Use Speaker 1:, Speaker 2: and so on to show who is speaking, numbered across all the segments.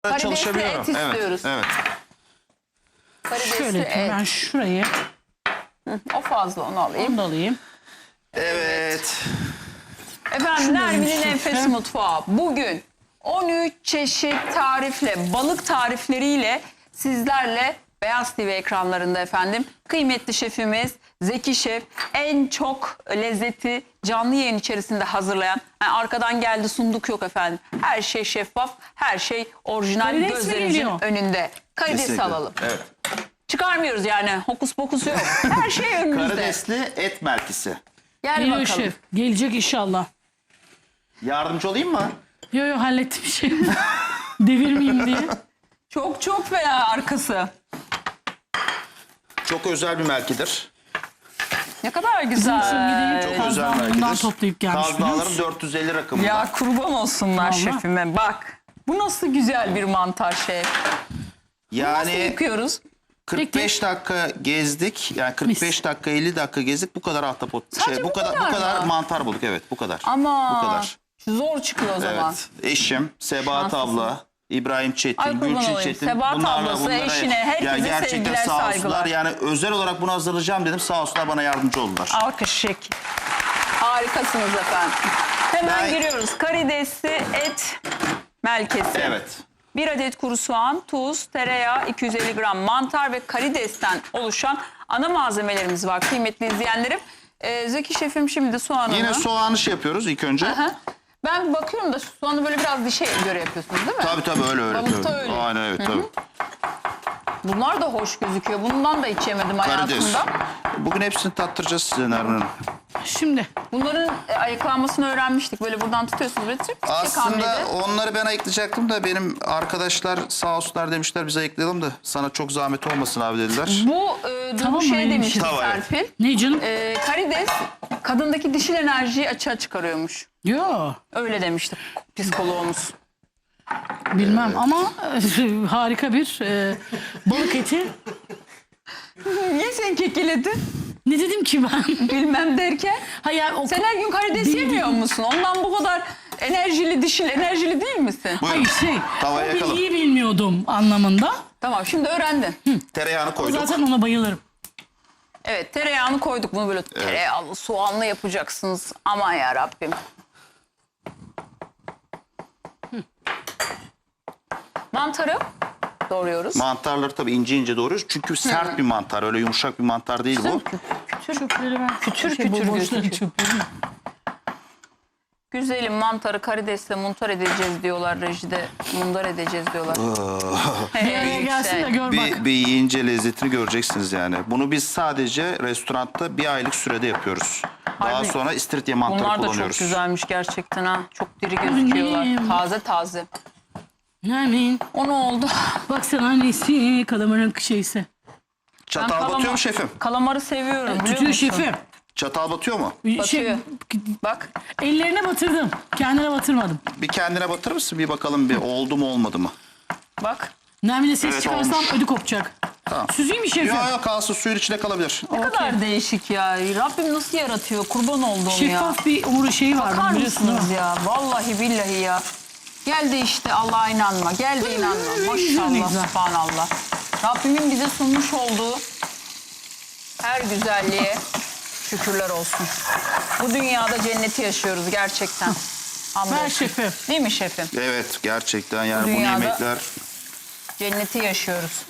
Speaker 1: Karidesli
Speaker 2: çalışabiliyorum.
Speaker 1: et istiyoruz.
Speaker 2: Evet.
Speaker 1: Karidesli
Speaker 3: Şöyle
Speaker 1: et.
Speaker 3: ben şurayı
Speaker 1: O fazla, onu alayım.
Speaker 3: onu da alayım.
Speaker 2: Evet.
Speaker 1: Efendim Nermin'in
Speaker 3: şefim.
Speaker 1: Enfes Mutfağı bugün 13 çeşit tarifle, balık tarifleriyle sizlerle Beyaz TV ekranlarında efendim. Kıymetli şefimiz Zeki Şef en çok lezzeti canlı yayın içerisinde hazırlayan, yani arkadan geldi sunduk yok efendim. Her şey şeffaf, her şey orijinal,
Speaker 3: Karides mi
Speaker 1: gözlerimizin
Speaker 3: geliyor?
Speaker 1: önünde. Karides
Speaker 2: Kesinlikle.
Speaker 1: alalım.
Speaker 2: Evet.
Speaker 1: Çıkarmıyoruz yani, hokus pokus yok. Her şey önümüzde.
Speaker 2: Karidesli et merkisi.
Speaker 1: Gel
Speaker 3: Geliyor
Speaker 1: bakalım.
Speaker 3: şef. Gelecek inşallah.
Speaker 2: Yardımcı olayım mı?
Speaker 3: Yo hallettim şey. Devirmeyeyim diye.
Speaker 1: Çok fena arkası.
Speaker 2: Çok özel bir merkidir.
Speaker 1: Ne kadar güzel.
Speaker 3: Gideyim
Speaker 2: Çok özel
Speaker 3: kazanlarından
Speaker 2: merkidir.
Speaker 3: toplayıp gelmiş biliyor
Speaker 2: Kazmalarım
Speaker 3: musun?
Speaker 2: 450 rakımında.
Speaker 1: Ya kurban olsunlar
Speaker 3: Vallahi.
Speaker 1: şefime, bak. Bu nasıl güzel bir mantar şef. Nasıl
Speaker 2: Yani
Speaker 1: yıkıyoruz?
Speaker 2: 45 dakika gezdik. Yani 45
Speaker 3: Mis.
Speaker 2: dakika 50 dakika gezdik. Bu kadar ahtapot.
Speaker 1: Sadece bu kadar
Speaker 2: bu kadar
Speaker 1: mı?
Speaker 2: mantar bulduk. Evet, bu kadar.
Speaker 1: Ama
Speaker 2: Bu kadar.
Speaker 1: zor çıkıyor o zaman.
Speaker 2: Evet. Eşim, Sebahat
Speaker 1: Şanslısın.
Speaker 2: abla, İbrahim Çetin,
Speaker 1: Ay kurban
Speaker 2: Gülçin
Speaker 1: olayım.
Speaker 2: Çetin.
Speaker 1: Sebahat ablası, eşine, herkese
Speaker 2: gerçekten
Speaker 1: sevgiler,
Speaker 2: sağ olsunlar.
Speaker 1: saygılar.
Speaker 2: Yani özel olarak bunu hazırlayacağım dedim. Sağ olsunlar, bana yardımcı oldular.
Speaker 1: Alkış şek. Harikasınız efendim. Hemen
Speaker 2: Ben-
Speaker 1: giriyoruz. Karidesli et melkesi.
Speaker 2: Evet.
Speaker 1: 1 adet kuru soğan, tuz, tereyağı, 250 gram mantar ve karidesten oluşan ana malzemelerimiz var kıymetli izleyenlerim. Zeki şefim şimdi soğanını...
Speaker 2: Yine soğanı yapıyoruz ilk önce.
Speaker 1: Aha. Ben bakıyorum da soğanı böyle biraz dişe göre yapıyorsunuz değil mi?
Speaker 2: Tabii öyle.
Speaker 1: Balıkta
Speaker 2: tabii.
Speaker 1: öyle.
Speaker 2: Aynen evet tabii.
Speaker 1: Bunlar da hoş gözüküyor. Bundan da hiç yemedim
Speaker 2: Karides.
Speaker 1: hayatımda.
Speaker 2: Bugün hepsini tattıracağız size Nermin Hanım.
Speaker 3: Şimdi
Speaker 1: Bunların ayıklanmasını öğrenmiştik. Böyle buradan tutuyorsunuz. Böyle tık tık
Speaker 2: Aslında
Speaker 1: hamlede.
Speaker 2: onları ben ayıklayacaktım da benim arkadaşlar sağ olsunlar demişler biz ayıklayalım da sana çok zahmet olmasın abi dediler.
Speaker 1: Bu
Speaker 3: Tamam
Speaker 1: bu
Speaker 3: mı,
Speaker 1: şey
Speaker 3: öyle bir
Speaker 1: demişti
Speaker 3: şey?
Speaker 2: Tamam, evet.
Speaker 1: Serpil.
Speaker 3: ne canım?
Speaker 1: Karides kadındaki dişil enerjiyi açığa çıkarıyormuş.
Speaker 3: Yo
Speaker 1: Öyle demişti psikoloğumuz.
Speaker 3: bilmem ama harika bir balık eti.
Speaker 1: Niye sen kekeledin?
Speaker 3: Ne dedim ki ben?
Speaker 1: Bilmem derken.
Speaker 3: Hayır, o
Speaker 1: Sen her gün karides
Speaker 3: Değil,
Speaker 1: yemiyor
Speaker 3: değil.
Speaker 1: musun? Ondan bu kadar enerjili, dişil enerjili değil misin?
Speaker 2: Buyurun.
Speaker 3: Hayır
Speaker 2: Tavaya
Speaker 3: o
Speaker 2: yakalım.
Speaker 3: bilgiyi bilmiyordum anlamında.
Speaker 1: Tamam, şimdi öğrendin.
Speaker 2: Tereyağını koyduk.
Speaker 3: Zaten ona bayılırım.
Speaker 1: Evet, tereyağını koyduk. Bunu böyle tereyağlı, soğanlı yapacaksınız. Aman ya Rabbim. Mantarı doğruyoruz.
Speaker 2: Mantarları tabii ince ince doğruyoruz. Çünkü sert bir mantar. Öyle yumuşak bir mantar değil bu.
Speaker 3: Çöpleri ben.
Speaker 1: Kütür
Speaker 3: bu
Speaker 1: kütür
Speaker 3: boşları
Speaker 1: gözüküyor.
Speaker 3: çöpleri.
Speaker 1: Güzelim mantarı karidesle muntar edeceğiz diyorlar rejide. Mundar edeceğiz diyorlar.
Speaker 3: Bir araya gelsin de gör bak.
Speaker 2: Bir yiyince lezzetini göreceksiniz yani. Bunu biz sadece restoranda 1 aylık sürede yapıyoruz. Daha
Speaker 1: Harbi.
Speaker 2: sonra istiridye mantarı
Speaker 1: Bunlar da
Speaker 2: kullanıyoruz.
Speaker 1: çok güzelmiş gerçekten ha. Çok diri gözüküyorlar.
Speaker 3: Annem.
Speaker 1: Taze taze.
Speaker 3: Nermin?
Speaker 1: O ne oldu?
Speaker 3: Baksana annesi kalamarın şeysi.
Speaker 2: Çatal batıyor mu şefim?
Speaker 1: Kalamarı seviyorum biliyor
Speaker 3: Tutuyor
Speaker 1: musun?
Speaker 3: şefim.
Speaker 2: Çatal batıyor mu?
Speaker 1: Batıyor. Bak.
Speaker 3: Ellerine batırdım. Kendine batırmadım.
Speaker 2: Bir kendine batırır mısın? Bir bakalım bir oldu mu olmadı mı?
Speaker 1: Bak.
Speaker 3: Nermin'e ses
Speaker 2: Evet,
Speaker 3: çıkarsam
Speaker 2: olmuş.
Speaker 3: ödü kopacak.
Speaker 2: Tamam.
Speaker 3: Süzeyim mi şefim?
Speaker 2: Yok kalsın suyun içinde kalabilir.
Speaker 1: Ne kadar değişik ya. Rabbim nasıl yaratıyor? Kurban olduğum ya.
Speaker 3: Şeffaf bir umuru şeyi var.
Speaker 1: Bakar
Speaker 3: biliyorsun değil mi?
Speaker 1: mısınız ya? Vallahi billahi ya. Gel de işte Allah'a inanma. Gel de inanma.
Speaker 3: Ne güzel.
Speaker 1: Maşallah, subhanallah. Rabbimin bize sunmuş olduğu her güzelliğe şükürler olsun. Bu dünyada cenneti yaşıyoruz gerçekten.
Speaker 3: Ver
Speaker 1: Hamdolsun.
Speaker 3: şefim.
Speaker 1: Değil mi şefim?
Speaker 2: Evet gerçekten yani bu
Speaker 1: Dünyada-
Speaker 2: yemekler
Speaker 1: Cenneti yaşıyoruz.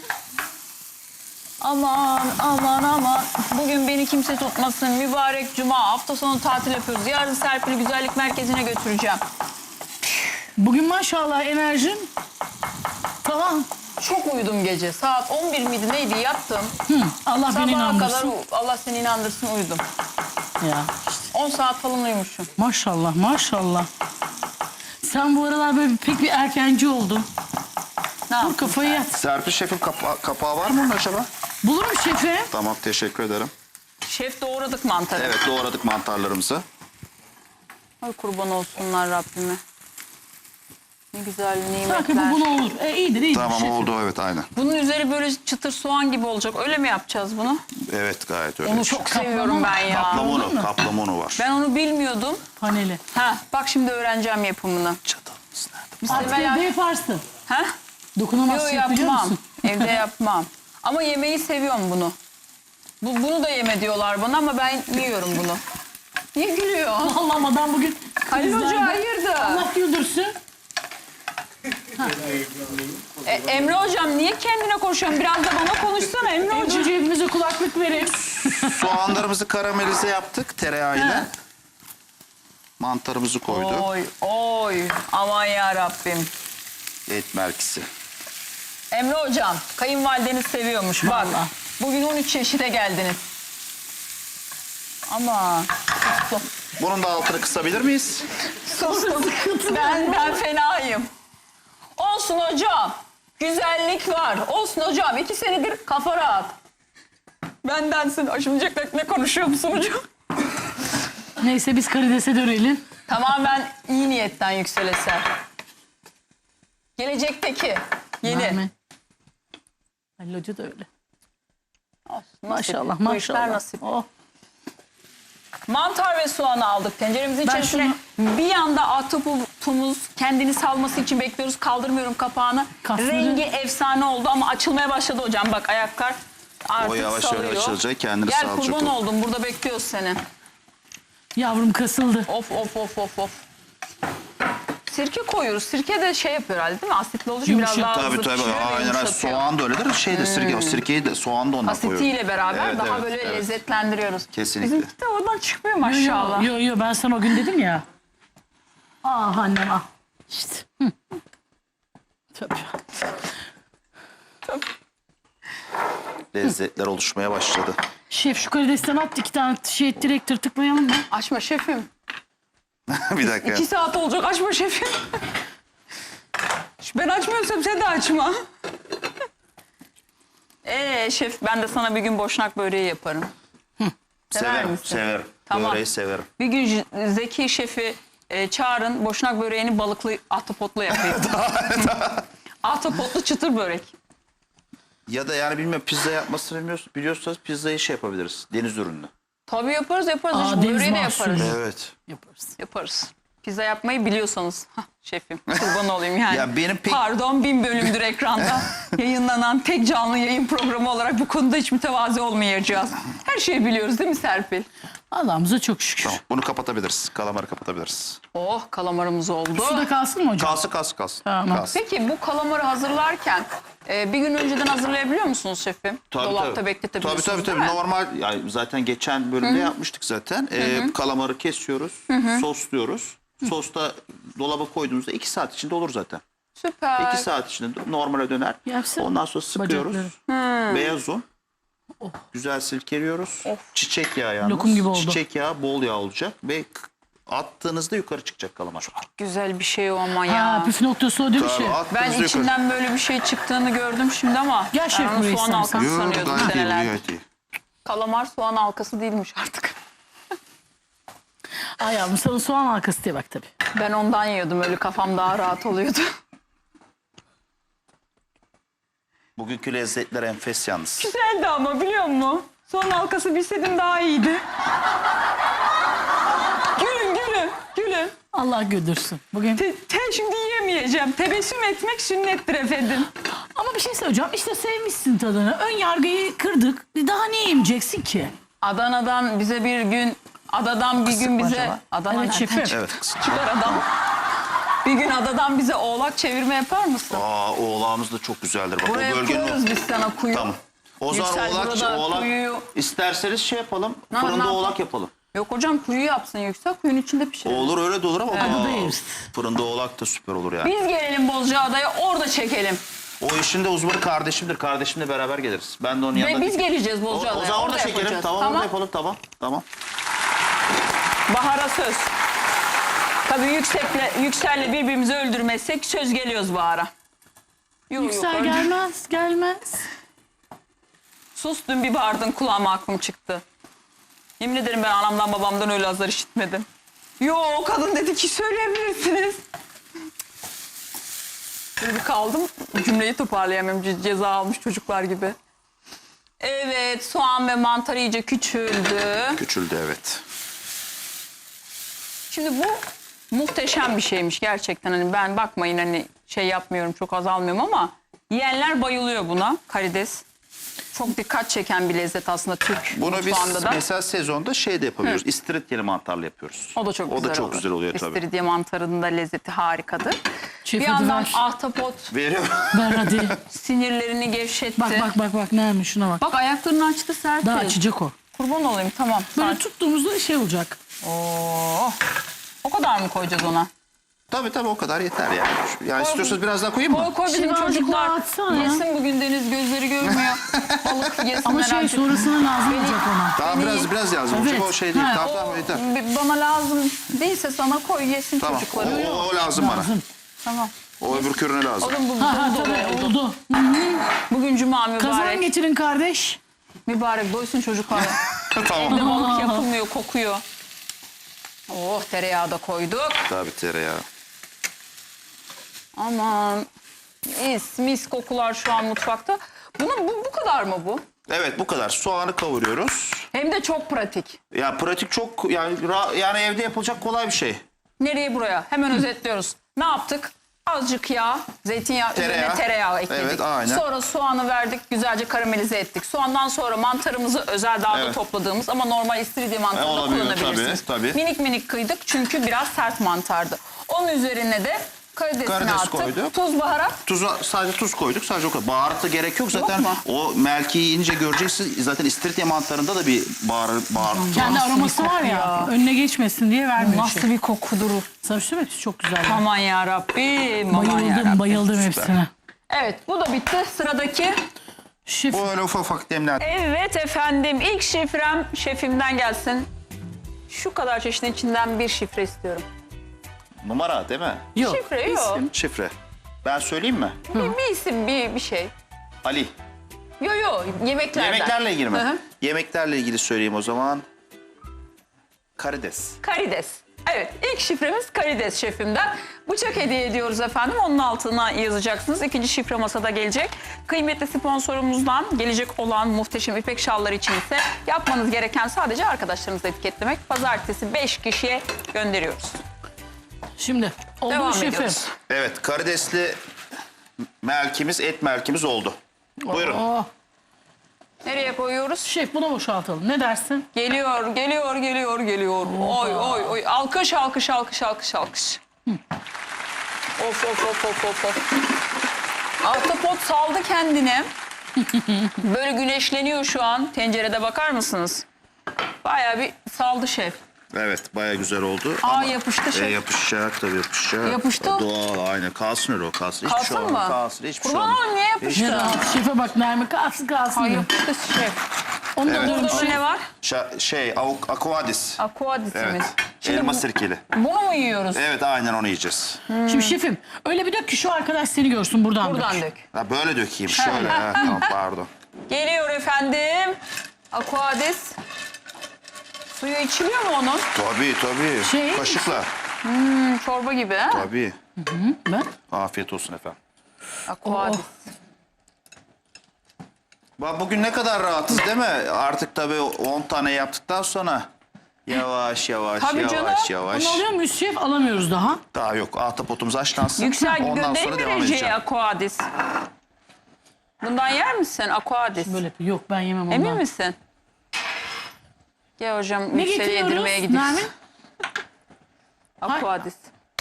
Speaker 1: Aman aman aman. Bugün beni kimse tutmasın. Mübarek cuma. Hafta sonu tatil yapıyoruz. Yarın Serpil'i güzellik merkezine götüreceğim.
Speaker 3: Bugün maşallah enerjin tamam.
Speaker 1: Çok uyudum gece. Saat 11 miydi neydi yattım.
Speaker 3: Allah beni
Speaker 1: Sabaha kadar
Speaker 3: inandırsın.
Speaker 1: Allah seni inandırsın uyudum.
Speaker 3: Ya
Speaker 1: 10 saat falan uyumuşum.
Speaker 3: maşallah maşallah. Sen bu aralar böyle pek bir erkenci oldun.
Speaker 1: Ne
Speaker 3: Vur
Speaker 1: yaptın
Speaker 3: kafayı
Speaker 1: sen?
Speaker 3: yat.
Speaker 2: Serpil şefim kapağı var mı onun acaba?
Speaker 3: Bulurum şefim.
Speaker 2: Tamam teşekkür ederim.
Speaker 1: Şef doğradık mantarı.
Speaker 2: Evet doğradık mantarlarımızı.
Speaker 1: Ay kurban olsunlar Rabbime. Ne güzel
Speaker 3: Sanki
Speaker 1: nimetler.
Speaker 3: bu buna olur. İyidir
Speaker 2: Tamam
Speaker 3: şefim.
Speaker 2: oldu evet aynen.
Speaker 1: Bunun üzeri böyle çıtır soğan gibi olacak. Öyle mi yapacağız bunu?
Speaker 2: Evet gayet öyle.
Speaker 1: Onu çok seviyorum ben ya.
Speaker 2: Kaplamonu var.
Speaker 1: Ben onu bilmiyordum.
Speaker 3: Paneli.
Speaker 1: Ha, bak şimdi öğreneceğim yapımını.
Speaker 2: Çatalımız nerede?
Speaker 1: Biz
Speaker 3: Artık
Speaker 1: evvel-
Speaker 3: evde yaparsın.
Speaker 1: Ha?
Speaker 3: Dokunamazsın,
Speaker 1: Yok
Speaker 3: biliyor
Speaker 1: yapmam.
Speaker 3: musun?
Speaker 1: Evde yapmam. Ama yemeği seviyorum bunu. Bunu da yeme diyorlar bana ama ben yiyorum bunu. Niye gülüyor?
Speaker 3: Allah'ım adam bugün
Speaker 1: Halil Hoca
Speaker 3: krizlerde.
Speaker 1: hayırdır?
Speaker 3: Allah güldürsün.
Speaker 1: Emre Hocam niye kendine konuşuyorsun? Biraz da bana konuşsana Emre
Speaker 3: Emre
Speaker 1: Hocam.
Speaker 3: Hoca hepimize kulaklık verin.
Speaker 2: Soğanlarımızı karamelize yaptık tereyağıyla. Mantarımızı koyduk.
Speaker 1: Oy oy aman ya Rabbim.
Speaker 2: Et merkisi.
Speaker 1: Emre Hocam kayınvalideniz seviyormuş bak.
Speaker 3: Vallahi.
Speaker 1: Bugün 13 çeşide geldiniz. Ama
Speaker 2: Bunun da altını kısabilir miyiz?
Speaker 1: sustum. Ben fenayım. Olsun hocam. Güzellik var. Olsun hocam. 2 senedir kafa rahat. Bendensin. Aşımcıklık ne konuşuyor musun hocam?
Speaker 3: Neyse biz karidese dönelim.
Speaker 1: Tamamen iyi niyetten Yüksel Eser. Gelecekteki yeni.
Speaker 3: Amin. Halil Hoca da öyle.
Speaker 1: Olsun, nasip.
Speaker 3: Maşallah
Speaker 1: Bu işler
Speaker 3: maşallah.
Speaker 1: nasip.
Speaker 3: Oh.
Speaker 1: Mantar ve soğanı aldık. Tenceremizin
Speaker 3: Ben
Speaker 1: içerisine bir yanda ahtapotumuz kendini salması için bekliyoruz. Kaldırmıyorum kapağını.
Speaker 3: Kasları.
Speaker 1: Rengi efsane oldu ama açılmaya başladı hocam. Bak ayaklar artık
Speaker 2: O yavaş
Speaker 1: salıyor.
Speaker 2: yavaş açılacak, kendini
Speaker 1: Gel
Speaker 2: salacak
Speaker 1: kurban
Speaker 2: o.
Speaker 1: oldum. Burada bekliyoruz seni.
Speaker 3: Yavrum kasıldı.
Speaker 1: Of of of of of. Sirke koyuyoruz. Sirke de şey yapıyor herhalde değil mi? Asitli olduğu için biraz
Speaker 3: Yumuşak.
Speaker 1: daha hızlı
Speaker 2: Tabii
Speaker 1: pişiriyor ve
Speaker 2: aynen.
Speaker 1: yumuşatıyor.
Speaker 2: Soğan da öyledir. Şey de sirkeyi de soğan da ondan koyuyoruz.
Speaker 1: Asitiyle beraber
Speaker 2: Evet,
Speaker 1: daha
Speaker 2: evet,
Speaker 1: böyle
Speaker 2: evet.
Speaker 1: lezzetlendiriyoruz.
Speaker 2: Kesinlikle.
Speaker 1: Bizimki de oradan çıkmıyor maşallah.
Speaker 3: Yo ben sana o gün dedim ya. Ah annem ah. İşte. Hı. Tabii.
Speaker 2: Lezzetler oluşmaya başladı.
Speaker 3: Şef şu karidesten at 2 tane şey direkt tırtıklayalım mı?
Speaker 1: Açma şefim.
Speaker 2: Bir dakika.
Speaker 1: 2 saat olacak açma şefim. Ben açmıyorsam sen de açma. Şef ben de sana bir gün boşnak böreği yaparım. Sever
Speaker 2: Severim,
Speaker 1: misin?
Speaker 2: severim.
Speaker 1: Tamam.
Speaker 2: Böreği severim.
Speaker 1: Bir gün Zeki şefi çağırın boşnak böreğini balıklı ahtapotlu yapayım. Ahtapotlu çıtır börek.
Speaker 2: Ya da yani bilmiyorum pizza yapmasını biliyorsanız pizzayı şey yapabiliriz. Deniz ürünlü.
Speaker 1: Tabii yaparız.
Speaker 3: Aa,
Speaker 1: Hiç
Speaker 3: deniz
Speaker 1: böreği de
Speaker 3: mahsulü.
Speaker 1: yaparız.
Speaker 2: Evet.
Speaker 3: Yaparız.
Speaker 1: Yaparız. Pizza yapmayı biliyorsanız. Hah, şefim kurban olayım yani.
Speaker 2: Ya benim pek-
Speaker 1: Pardon 1000 bölümdür ekranda yayınlanan tek canlı yayın programı olarak bu konuda hiç mütevazi olmayacağız. Her şeyi biliyoruz değil mi Serpil?
Speaker 3: Allah'ımıza çok şükür.
Speaker 2: Tamam. Bunu kapatabiliriz. Kalamarı kapatabiliriz.
Speaker 1: Oh kalamarımız oldu.
Speaker 3: Su da kalsın mı hocam?
Speaker 2: Kalsın.
Speaker 3: Tamam.
Speaker 2: Kalsın.
Speaker 1: Peki bu kalamarı hazırlarken bir gün önceden hazırlayabiliyor musunuz şefim? Dolapta bekletebiliyorsunuz
Speaker 2: Tabii.
Speaker 1: değil mi?
Speaker 2: Normal yani zaten geçen bölümde yapmıştık zaten. Kalamarı kesiyoruz, sosluyoruz. Sosta dolaba koyduğumuzda 2 saat içinde olur zaten.
Speaker 1: Süper.
Speaker 2: 2 saat içinde normale döner.
Speaker 3: Yapsana.
Speaker 2: Ondan sonra sıkıyoruz.
Speaker 3: Bacakları.
Speaker 2: Beyaz un. Güzel silkeliyoruz. Çiçek yağı yalnız.
Speaker 3: Lokum gibi oldu.
Speaker 2: Çiçek yağı, bol yağ olacak ve attığınızda yukarı çıkacak kalamar.
Speaker 1: Güzel bir şey o ama
Speaker 3: Ha
Speaker 1: ya.
Speaker 3: püf noktası o değil mi
Speaker 2: Tabii,
Speaker 3: şef?
Speaker 2: attığınızda
Speaker 1: Ben
Speaker 2: yukarı.
Speaker 1: içinden böyle bir şey çıktığını gördüm şimdi ama
Speaker 3: Gel şef
Speaker 1: ben onu
Speaker 3: buraya
Speaker 1: soğan
Speaker 3: istersen.
Speaker 1: halkası
Speaker 2: Yok,
Speaker 1: sanıyordum
Speaker 2: gayet iyi,
Speaker 1: seneler.
Speaker 2: gayet iyi.
Speaker 1: Kalamar soğan halkası değilmiş artık.
Speaker 3: Ay yavrum sana soğan halkası diye bak tabii.
Speaker 1: Ben ondan yiyordum öyle kafam daha rahat oluyordu.
Speaker 2: Bugünkü lezzetler enfes yalnız.
Speaker 1: Güzeldi ama biliyor musun? Soğan halkası bilseydim daha iyiydi. Gülün.
Speaker 3: Allah güldürsün. Bugün
Speaker 1: Şimdi yiyemeyeceğim. Tebessüm etmek sünnettir efendim.
Speaker 3: ama bir şey söyleyeceğim. İşte sevmişsin tadını. Ön yargıyı kırdık. Daha ne yemeyeceksin ki?
Speaker 1: Adadan bir gün
Speaker 3: mı
Speaker 1: bize...
Speaker 3: acaba?
Speaker 1: Adana
Speaker 3: Evet,
Speaker 1: nereden
Speaker 3: şefim.
Speaker 1: çıktı?
Speaker 2: Evet kızım.
Speaker 1: Çıkar adam. Bir gün adadan bize oğlak çevirme yapar mısın?
Speaker 2: Oğlağımız da çok güzeldir. Bak,
Speaker 1: Buraya
Speaker 2: o bölgenin
Speaker 1: koyuyoruz biz sana kuyu.
Speaker 2: Tamam. O zaman
Speaker 1: Yüksel burada
Speaker 2: oğlak
Speaker 1: kuyuyu...
Speaker 2: isterseniz şey yapalım.
Speaker 1: Ne
Speaker 2: Fırında
Speaker 1: yapalım?
Speaker 2: oğlak yapalım.
Speaker 1: Yok hocam kuyu yapsın Yüksel. Kuyunun içinde pişirelim.
Speaker 2: Olur öyle de olur ama
Speaker 3: Fırında yeriz.
Speaker 2: fırında oğlak da süper olur yani.
Speaker 1: Biz gelelim Bozcaada'ya orada çekelim.
Speaker 2: O işin de uzmanı kardeşimdir. Kardeşimle beraber geliriz. Ben de onun
Speaker 1: Ve
Speaker 2: yanına...
Speaker 1: biz geleceğiz
Speaker 2: O
Speaker 1: Bozcaada'ya.
Speaker 2: zaman orada çekelim.
Speaker 1: yapacağız.
Speaker 2: Tamam, orada yapalım. Tamam.
Speaker 1: Bahar'a söz. Tabii Yüksel'le birbirimizi öldürmezsek söz geliyoruz Bahar'a. Yok,
Speaker 3: Yüksel
Speaker 1: öldür-
Speaker 3: gelmez.
Speaker 1: Sus dün bir bağırdın kulağıma aklım çıktı. Yemin ederim ben anamdan babamdan öyle azar işitmedim. Yo kadın dedi ki söyleyebilirsiniz. Böyle bir kaldım cümleyi toparlayamıyorum ceza almış çocuklar gibi. Evet soğan ve mantar iyice küçüldü.
Speaker 2: Küçüldü evet.
Speaker 1: Şimdi bu muhteşem bir şeymiş gerçekten. Hani ben bakmayın hani şey yapmıyorum çok azalmıyorum ama Yiyenler bayılıyor buna. Karides. Çok dikkat çeken bir lezzet aslında Türk
Speaker 2: Bunu biz
Speaker 1: mutfağında da.
Speaker 2: mesela sezonda şey de yapabiliyoruz. İstiridye mantarlı yapıyoruz.
Speaker 1: O da çok güzel olur.
Speaker 2: güzel oluyor tabii.
Speaker 1: İstiridye mantarının da lezzeti harikadır.
Speaker 3: Şef,
Speaker 1: bir
Speaker 3: hadi
Speaker 1: yandan
Speaker 3: ver.
Speaker 1: ahtapot
Speaker 2: Veriyorum.
Speaker 3: Ver hadi.
Speaker 1: sinirlerini gevşetti.
Speaker 3: Bak neymiş şuna bak.
Speaker 1: Bak ayaklarını açtı Serpil.
Speaker 3: Daha açacak o.
Speaker 1: Kurban olayım tamam.
Speaker 3: Böyle tuttuğumuzda şey olacak.
Speaker 1: Oo. O kadar mı koyacağız ona?
Speaker 2: Tabii o kadar yeter yani. Yani istiyorsanız biraz daha koyayım mı?
Speaker 1: Koy bizim
Speaker 3: Şimdi azıcık
Speaker 1: çocuklar
Speaker 3: daha atsana ya.
Speaker 1: yesin bugün Deniz gözleri görmüyor. Balık yesinler
Speaker 3: Ama şey
Speaker 1: artık.
Speaker 3: sonrasında lazım olacak ona.
Speaker 2: Daha biraz lazım olacak.
Speaker 3: Evet.
Speaker 2: O şey değil.
Speaker 3: Ha,
Speaker 2: Tamam yeter.
Speaker 1: Bana lazım değilse sana koy yesin
Speaker 2: Tamam.
Speaker 1: çocukları.
Speaker 2: O lazım bana.
Speaker 3: Lazım.
Speaker 1: Tamam.
Speaker 2: O öbür körüne lazım.
Speaker 1: Oğlum bu
Speaker 3: Ha
Speaker 1: dolu
Speaker 3: tabii
Speaker 1: oldu.
Speaker 3: oldu.
Speaker 1: Bugün cuma
Speaker 3: Kazan
Speaker 1: mübarek.
Speaker 3: getirin kardeş.
Speaker 1: Mübarek doysun çocuklar.
Speaker 2: Tamam.
Speaker 1: Evde balık yapılmıyor kokuyor. Oh tereyağı da koyduk.
Speaker 2: Tabii tereyağı.
Speaker 1: Aman mis kokular şu an mutfakta. Bu kadar mı bu?
Speaker 2: Evet bu kadar. Soğanı kavuruyoruz.
Speaker 1: Hem de çok pratik.
Speaker 2: Ya pratik çok yani evde yapılacak kolay bir şey.
Speaker 1: Nereye buraya? Hemen özetliyoruz. Ne yaptık? Azıcık yağ, zeytinyağı, üzerine tereyağı ekledik.
Speaker 2: Evet, aynen.
Speaker 1: Sonra soğanı verdik, güzelce karamelize ettik. Soğandan sonra mantarımızı özel dağda
Speaker 2: Evet.
Speaker 1: topladığımız ama normal istiridye mantarı da
Speaker 2: olabiliyor,
Speaker 1: kullanabilirsiniz.
Speaker 2: tabii.
Speaker 1: Minik kıydık çünkü biraz sert mantardı. Onun üzerine de karidesini
Speaker 2: Karides
Speaker 1: attık.
Speaker 2: koyduk.
Speaker 1: Tuz, baharat.
Speaker 2: Sadece tuz koyduk. Sadece o kadar. Baharatı gerek yok zaten.
Speaker 1: mu?
Speaker 2: O melkeyi yiyince göreceksiniz. Zaten istiridye mantarında da bir baharat.
Speaker 3: Kendi
Speaker 1: Nasıl
Speaker 3: aroması
Speaker 1: bir
Speaker 3: var
Speaker 1: koku
Speaker 3: ya,
Speaker 1: ya.
Speaker 3: önüne geçmesin diye vermiyor
Speaker 1: Nasıl
Speaker 3: şey.
Speaker 1: bir kokudur.
Speaker 3: Sana bir şey söyleyeyim mi? Çok güzel.
Speaker 1: Aman yarabbim. Aman yarabbim.
Speaker 3: Bayıldım
Speaker 2: Süper.
Speaker 3: hepsine.
Speaker 1: Evet bu da bitti. Sıradaki.
Speaker 3: Şef,
Speaker 2: Bu öyle ufak demler.
Speaker 1: Evet efendim ilk şifrem şefimden gelsin. Şu kadar çeşidin içinden bir şifre istiyorum.
Speaker 2: Numara değil mi?
Speaker 3: yok.
Speaker 1: Şifre yok.
Speaker 2: Şifre. Ben söyleyeyim mi?
Speaker 1: Bir isim bir şey.
Speaker 2: Ali.
Speaker 1: Yo yemeklerden.
Speaker 2: Yemeklerle ilgili mi?
Speaker 1: Hı hı.
Speaker 2: Yemeklerle ilgili söyleyeyim o zaman. Karides.
Speaker 1: Karides. Evet ilk şifremiz karides şefimden. Bıçak hediye ediyoruz efendim. Onun altına yazacaksınız. İkinci şifre masada gelecek. Kıymetli sponsorumuzdan gelecek olan muhteşem ipek şalları için ise yapmanız gereken sadece arkadaşlarınızı etiketlemek. Pazartesi 5 kişiye gönderiyoruz.
Speaker 3: Şimdi oldu
Speaker 1: Devam
Speaker 3: mu şefim?
Speaker 1: ediyoruz.
Speaker 2: Evet karidesli et melkimiz oldu. Buyurun.
Speaker 3: Oh.
Speaker 1: Nereye koyuyoruz?
Speaker 3: Şef bunu boşaltalım. Ne dersin?
Speaker 1: Geliyor. Oy. Alkış. Of. Ahtapot saldı kendine. Böyle güneşleniyor şu an. Tencerede bakar mısınız? Bayağı bir saldı şef.
Speaker 2: Evet baya güzel oldu.
Speaker 1: Yapıştı şef.
Speaker 2: Yapışacak tabii yapışacak.
Speaker 1: Yapıştı.
Speaker 2: Doğal aynen kalsın öyle o kalsın. Hiçbir
Speaker 1: Kalsın
Speaker 2: şey olmaz.
Speaker 1: mı?
Speaker 2: Kalsın hiçbir şey
Speaker 1: Kurban
Speaker 2: olmaz.
Speaker 1: olayım niye yapıştı?
Speaker 3: Ne rahat. Şefe bak Nermin kalsın
Speaker 1: Ay
Speaker 3: diyor.
Speaker 1: yapıştı şef.
Speaker 3: Onu da
Speaker 2: Evet.
Speaker 3: diyorum
Speaker 1: Burada
Speaker 3: şef.
Speaker 1: ne var?
Speaker 2: Aquadis.
Speaker 1: Aquadisimiz.
Speaker 2: Evet. Elma sirkeli.
Speaker 1: Bunu mu yiyoruz?
Speaker 2: Evet aynen onu yiyeceğiz.
Speaker 3: Şimdi şefim öyle bir dök ki şu arkadaş seni görsün buradan,
Speaker 1: Buradan
Speaker 3: dök.
Speaker 1: dök.
Speaker 2: Ha, böyle dökeyim şöyle. Ha, tamam pardon.
Speaker 1: Geliyor efendim. Aquadis. Suyu içiliyor mu onun?
Speaker 2: Tabii.
Speaker 3: Şey-
Speaker 2: Kaşıkla.
Speaker 1: Çorba gibi ha?
Speaker 2: Tabii.
Speaker 3: Ben?
Speaker 2: Afiyet olsun efendim.
Speaker 1: Aquadis.
Speaker 2: Bak bugün ne kadar rahatız değil mi? Artık tabii 10 tane yaptıktan sonra yavaş.
Speaker 1: Tabii canım.
Speaker 3: Bunu alıyor muyuz şef? Alamıyoruz daha.
Speaker 2: Daha yok. Ahtapotumuz haşlansın.
Speaker 1: Yüksel
Speaker 2: Ondan
Speaker 1: göndereyim
Speaker 2: sonra
Speaker 1: mi
Speaker 2: devam
Speaker 1: Recep'e
Speaker 2: edeceğim.
Speaker 1: Aquadis? Bundan yer misin Aquadis?
Speaker 3: Böyle yok ben yemem ondan.
Speaker 1: Emin misin? Gel hocam
Speaker 3: Ne
Speaker 1: Yüksel'e yedirmeye
Speaker 3: getiriyoruz
Speaker 1: gidiyoruz.
Speaker 3: Nermin?
Speaker 1: Aquadis.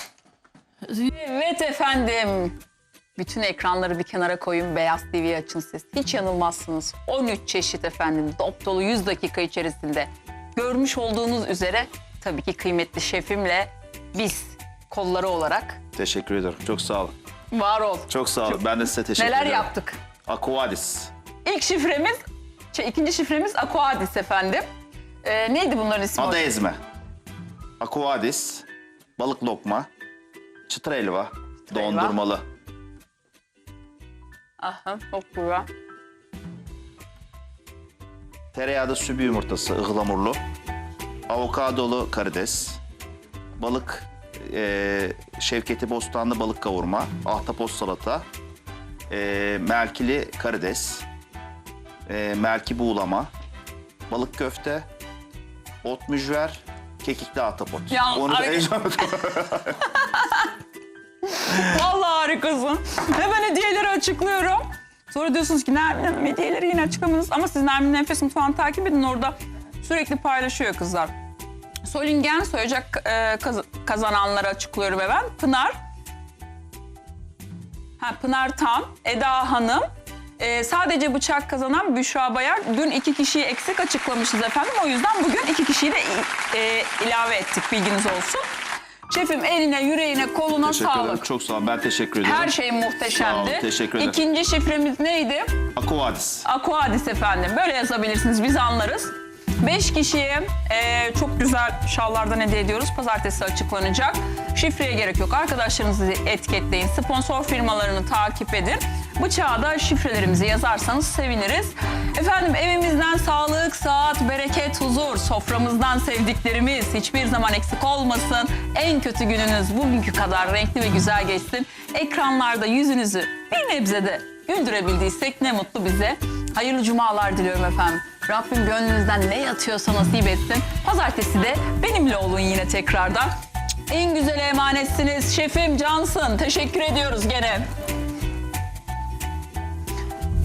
Speaker 1: Evet efendim. Bütün ekranları bir kenara koyun, Beyaz TV açın siz. Hiç yanılmazsınız. 13 çeşit efendim, dop dolu 100 dakika içerisinde. Görmüş olduğunuz üzere tabii ki kıymetli şefimle biz kolları olarak
Speaker 2: Teşekkür ederim. Çok sağ olun.
Speaker 1: var ol.
Speaker 2: Çok sağ olun. Ben de size teşekkür
Speaker 1: Neler
Speaker 2: ederim.
Speaker 1: yaptık?
Speaker 2: Aquadis.
Speaker 1: İkinci şifremiz Aquadis efendim. Neydi bunların ismi?
Speaker 2: Ada ezme. Aquadis. Balık lokma. Çıtır helva. Dondurmalı.
Speaker 1: Aha, çok güzel.
Speaker 2: Tereyağda sübü yumurtası ıhlamurlu. Avokadolu karides. Balık Şevketi Bostanlı balık kavurma. Ahtapot salata. Melkili karides. Melki buğulama. Balık köfte. Ot mücver. Kekikli ahtapot.
Speaker 1: Ya,
Speaker 2: Onu da
Speaker 1: Vallahi Harikasın. Hemen hediyeleri açıklıyorum. Sonra diyorsunuz ki Nermin Hanım hediyeleri yine açıklamadınız. Ama siz Nermin Nefes Mutfağı'nı takip edin. Orada sürekli paylaşıyor kızlar. Solingen soyacak kazananları açıklıyorum hemen. Pınar Tam, Eda Hanım. Sadece bıçak kazanan Büşra Bayar. Dün 2 kişiyi eksik açıklamışız efendim. O yüzden bugün 2 kişiyi de ilave ettik. Bilginiz olsun. Şefim eline, yüreğine, koluna
Speaker 2: Teşekkür ederim.
Speaker 1: sağlık.
Speaker 2: Çok sağ ol. Ben teşekkür ederim.
Speaker 1: Her şey muhteşemdi.
Speaker 2: Sağ olun, teşekkür ederim.
Speaker 1: İkinci şifremiz neydi?
Speaker 2: Aquadis.
Speaker 1: Aquadis efendim. Böyle yazabilirsiniz. Biz anlarız. 5 kişiye çok güzel şallardan hediye ediyoruz. Pazartesi açıklanacak. Şifreye gerek yok. Arkadaşlarınızı etiketleyin. Sponsor firmalarını takip edin. Bıçağa da şifrelerimizi yazarsanız seviniriz. Efendim evimizden sağlık, sıhhat, bereket, huzur. Soframızdan sevdiklerimiz hiçbir zaman eksik olmasın. En kötü gününüz bugünkü kadar renkli ve güzel geçsin. Ekranlarda yüzünüzü bir nebze de güldürebildiysek ne mutlu bize. Hayırlı cumalar diliyorum efendim. Rabbim gönlünüzden ne yatıyorsa nasip etsin. Pazartesi de benimle olun yine tekrardan. En güzel emanetsiniz. Şefim cansın. Teşekkür ediyoruz gene.